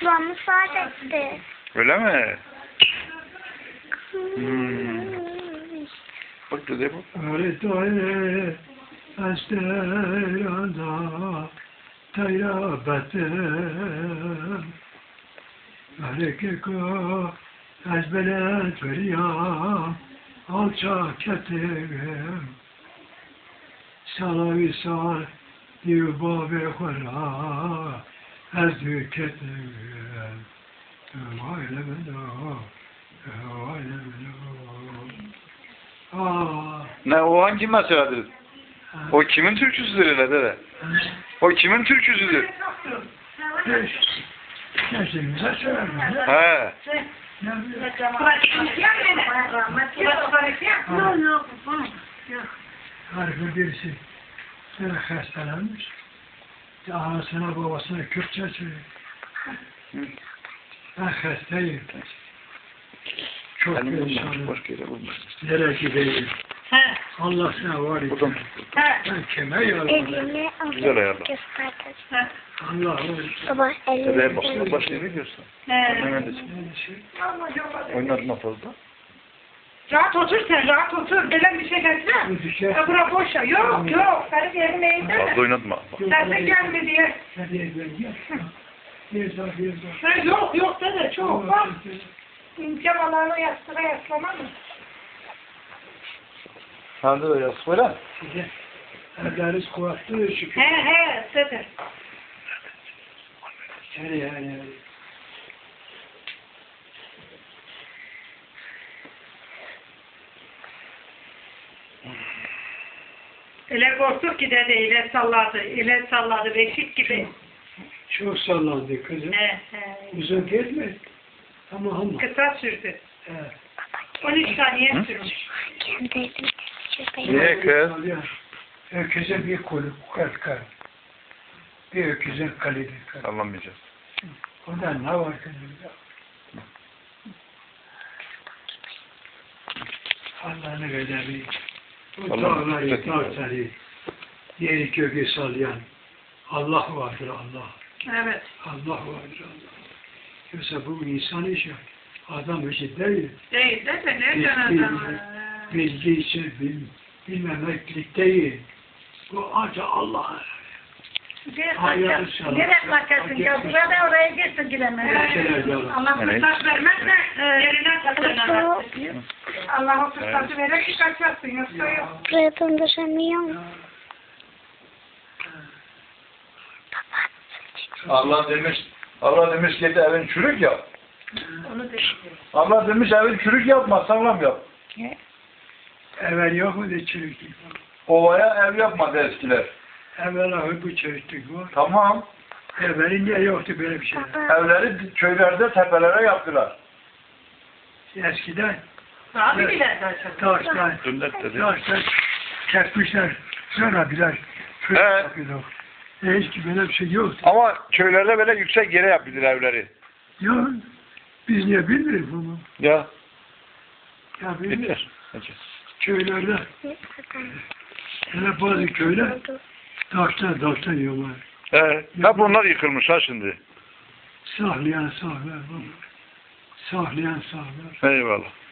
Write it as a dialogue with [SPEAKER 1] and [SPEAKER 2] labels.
[SPEAKER 1] Ablamı saadetti.
[SPEAKER 2] Öyle mi? Bak dede bak.
[SPEAKER 3] Öğretmen Estelada Tayrabetim Erekeko Ezbelet veriyam Alçak etim Salavi sal Yubabı khara Ezdük etim Vayle bela Vayle bela
[SPEAKER 2] Ne o hangi meseledir? O kimin türküsüdür öyle dede? O kimin türküsüdür?
[SPEAKER 3] Gençliğimize söylerim.
[SPEAKER 2] He.
[SPEAKER 3] Harika birisi hastalanmış. Anasına babasına Kürtçe söylüyor. Ben hastayım. Çok perişanım.
[SPEAKER 2] Başka yere bulmaz.
[SPEAKER 3] Nereye gideyim? Allah sana var et.
[SPEAKER 2] Buradan.
[SPEAKER 3] Ben kime yalan?
[SPEAKER 1] Elimi
[SPEAKER 2] Güzel ayarla.
[SPEAKER 1] gösterdim.
[SPEAKER 3] Allah var.
[SPEAKER 1] Baba
[SPEAKER 2] Dedeye
[SPEAKER 1] elimi
[SPEAKER 2] başka başka yere diyorsun. Neredesin? Oynadın mı fazla?
[SPEAKER 4] Rahat otur sen, rahat otur. Böyle bir şey gelsene. Bura boş ya. Yok, yok. Senin yerin neydi?
[SPEAKER 2] Fazla oynatma.
[SPEAKER 4] Sen de gelme diye.
[SPEAKER 3] Nereye gel? Bir daha.
[SPEAKER 4] Ha, yok, yok dede, çok. Bak. İmkanlarını yastığa yaslama mı?
[SPEAKER 2] Sen de yaz böyle.
[SPEAKER 3] Size evleriz kuvvetli şükür.
[SPEAKER 4] He, dede.
[SPEAKER 3] Yani.
[SPEAKER 4] Öyle korktuk ki dede, ile salladı, beşik gibi.
[SPEAKER 3] Çok sallandı kızım.
[SPEAKER 4] He.
[SPEAKER 3] Uzun gelmedi. Ama.
[SPEAKER 4] Kısa sürdü.
[SPEAKER 3] He.
[SPEAKER 4] 13 saniye sürmüş.
[SPEAKER 1] kendi elimi
[SPEAKER 2] Niye kız?
[SPEAKER 3] Öküze bir kolu kalkar. Bir öküzün kalidir.
[SPEAKER 2] Sallamayacağız.
[SPEAKER 3] Ondan ne var kızım? Allah'ını vedemi. Bu dağları, dağları, yeri kökü sallayan Allah vardır Allah.
[SPEAKER 4] Evet.
[SPEAKER 3] Allah vardır Allah. Yoksa bu insan işi, adam işi değil.
[SPEAKER 4] Değil dede, nereden adam?
[SPEAKER 3] Bilgi için bilmemeklik değil. Bu ancak Allah'a.
[SPEAKER 4] Gerek makasın ya, burada oraya girsin giremez. Allah fırsat vermezse yerine takılır. Allah o fırsatı verir ki kaçarsın, yoksa yok.
[SPEAKER 1] buraya döndüremiyorum.
[SPEAKER 2] Allah demiş ki evin çürük yap.
[SPEAKER 4] Onu dedim.
[SPEAKER 2] Allah demiş evin çürük yapma, sağlam yap.
[SPEAKER 3] Evvel yok mu de çürüklük var.
[SPEAKER 2] Ovaya ev yapmadı eskiler.
[SPEAKER 3] Evvel ahı bu çürüklük var.
[SPEAKER 2] Tamam.
[SPEAKER 3] Evvelinde yoktu böyle bir şey.
[SPEAKER 2] Evleri köylerde tepelere yaptılar.
[SPEAKER 3] Eskiden
[SPEAKER 4] Abi bile.
[SPEAKER 3] taştan kesmişler. Sonra birer fırın
[SPEAKER 2] Evet.
[SPEAKER 3] yapıyorlar. Hiç böyle bir şey yoktu.
[SPEAKER 2] Ama köylerde böyle yüksek yere yaptılar evleri.
[SPEAKER 3] Ya biz niye bilmiyoruz bunu?
[SPEAKER 2] Ya.
[SPEAKER 3] Ya bilmiyoruz.
[SPEAKER 2] Bilir.
[SPEAKER 3] Köylerde, hele bazı köyler taştan yiyorlar.
[SPEAKER 2] Hep onlar yıkılmış ha şimdi.
[SPEAKER 3] Sahlayan sahlar.
[SPEAKER 2] Eyvallah.